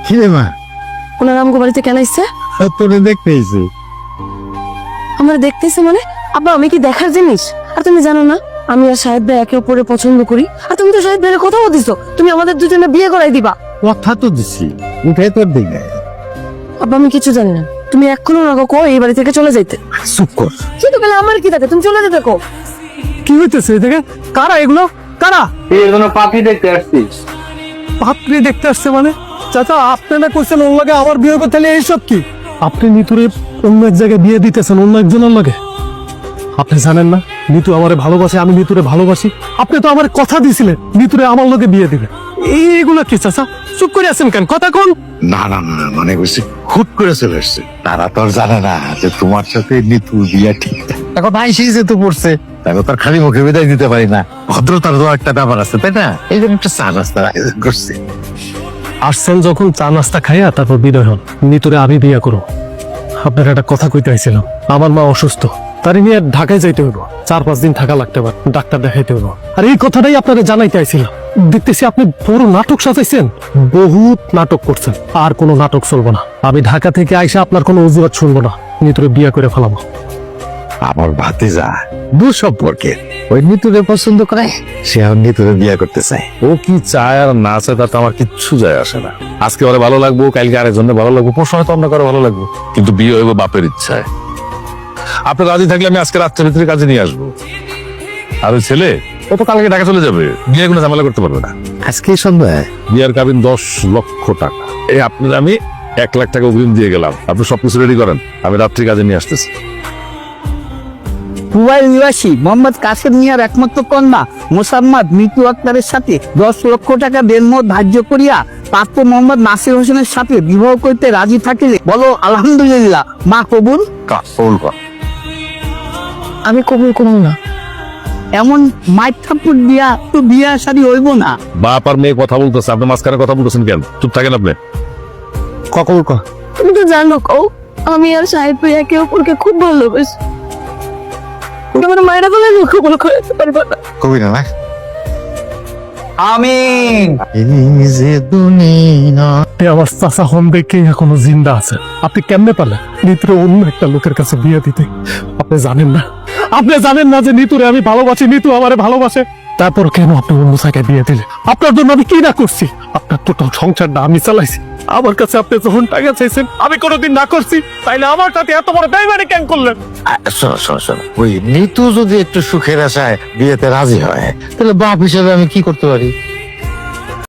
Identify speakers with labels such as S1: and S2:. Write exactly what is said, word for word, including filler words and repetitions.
S1: কি রে মা?
S2: ওনার আমগো বাড়িতে কেন আসছে?
S1: তোরে দেখতে এসে।
S2: আমরা দেখতেছি মানে? আব্বা আমি কি দেখার জিনিস? আর তুমি জানো না আমি আর সাহেব ভাই একে অপরের পছন্দ করি, আর তুমি তো সাহেব ভাইয়ের কথাও দিছো তুমি আমাদের দুজনে বিয়ে করাই দিবা।
S1: কথা তো দিছি, উঠে তোর দিকে।
S2: আব্বা আমি কিছু জানি না, তুমি এখনো ওনাকে কো এই বাড়ি থেকে চলে যাইতে।
S1: চুপ কর।
S2: কিন্তু গেলে আমার কি থাকে, তুমি চলে যেতে কো।
S3: কি হইতেছে এদিকে? কারা এগুলো? কারা?
S4: এই জন্য পাখি দেখতে আসছি।
S3: পাত্রী দেখতে আসছে মানে? চাচা আপনারা কইছেন ওর লাগে আমার বিয়ে করতে, তাহলে এইসব কি? আপনি নিতুরে অন্য এক জায়গায় বিয়ে দিতেছেন অন্য একজনের লাগে। আপনি জানেন না নিতু আমারে ভালোবাসে, আমি নিতুরে ভালোবাসি। আপনি তো আমার কথা দিয়েছিলেন নিতুরে আমার লগে বিয়ে দিবে। এইগুলো কি চাচা? চুপ করে আছেন কেন? কথা কোন?
S1: না না না মানে বুঝছি হুট করে চলে এসছে। তারা তো আর জানে না যে তোমার সাথে নিতু বিয়া ঠিক। এখন আইসি যেহেতু পড়ছে তাকে তো আর খালি মুখে বিদায় দিতে পারি না। ভদ্রতার তো একটা ব্যাপার আছে তাই না? এই জন্য একটা চা নাস্তার আয়োজন করছি।
S3: আসছেন যখন চা নাস্তা খাইয়া তারপর বিদায় হন। নিতুরে আমি বিয়ে করো। আপনার একটা কথা কইতে আইছিলাম, আমার মা অসুস্থ, তারই নিয়ে ঢাকায় যাইতে হইব। চার পাঁচ দিন থাকা লাগতে পারে, ডাক্তার দেখাইতে হইব। আর এই কথাটাই আপনারা জানাইতে আইছিলাম। দেখতেছি আপনি বড় নাটক সাজাইছেন, বহুত নাটক করছেন। আর কোনো নাটক চলবো না। আমি ঢাকা থেকে আইসা আপনার কোনো অজুহাত শুনবো না, নিতুরে বিয়ে করে ফেলাবো।
S1: আমার ভাতিজা দূর সম্পর্কে ওই নিতুরে পছন্দ করে, সে এখন নিতুরে বিয়ে করতে চায়।
S5: ও কি চায় আর না চায় তাতে আমার কিচ্ছু যায় আসে না। আজকে ওরে ভালো লাগবো, কালকে আরেকজনের ভালো লাগবো, পরশু হয়তো অন্য কারো ভালো লাগবো, কিন্তু বিয়ে হইব বাপের ইচ্ছায়। আপনি রাজি থাকলে আমি আজকে রাত্রের ভিতরে কাজে নিয়ে আসবো। আর ওই ছেলে ও তো কালকে ঢাকা চলে যাবে, বিয়ে কোনো ঝামেলা করতে পারবে না।
S1: আজকে সন্ধ্যায়
S5: বিয়ের কাবিন দশ লক্ষ টাকা। এই আপনার আমি এক লাখ টাকা অগ্রিম দিয়ে গেলাম, আপনি সবকিছু রেডি করেন, আমি রাত্রি কাজে নিয়ে আসতেছি।
S4: কুয়াই নিবাসী মোহাম্মদ কাসেম মিয়ার একমাত্র কন্যা মোসাম্মদ মিতু আক্তারের সাথে দশ লক্ষ টাকা দেনমোহর ধার্য করিয়া পাত্র মোহাম্মদ নাসির হোসেনের সাথে বিবাহ করতে রাজি থাকিলে বলো আলহামদুলিল্লাহ। মা কবুল।
S1: কাপড় কর।
S2: আমি কবুল করব না।
S4: এমন মাইক থাপ্পড় দিয়া তো বিয়া শাদী হইব না।
S5: বাপ আর মেয়ে কথা বলতেছে, আপনি মাঝখানে কথা বলতেছেন কেন? চুপ থাকেন আপনি।
S3: কখন ক
S2: তুমি তো জানো কও আমি আর সাহেব ভাই একে অপরকে খুব ভালোবাসি। আমার মায়েরা বলে আমি কবুল করতে পারবো না।
S1: কবি না না
S4: আমিন।
S1: এই যে দুনিয়া।
S3: আপনি আমার চাচা হন দেখেই এখনো জিন্দা আছে। আপনি কেমনে পারলেন নিতুরে অন্য একটা লোকের কাছে বিয়ে দিতে? আপনি জানেন না, আপনি জানেন না যে নিতুরে আমি ভালোবাসি, নিতু আমারে ভালোবাসে। তারপর কেন আপনি অন্য জায়গায় বিয়ে দিলে? আপনার জন্য আমি কি না করছি? আপনার টোটাল সংসারটা আমি চালাইছি। আমার কাছে আপনি যখন টাকা চাইছেন আমি কোনোদিন না করছি, তাইলে আমার সাথে এত বড় বেইমানি কেন করলেন?
S1: শোনো শোনো শোনো, ওই নিতু যদি একটু সুখের আশায় বিয়েতে রাজি হয় তাহলে বাপ হিসেবে আমি কি করতে পারি?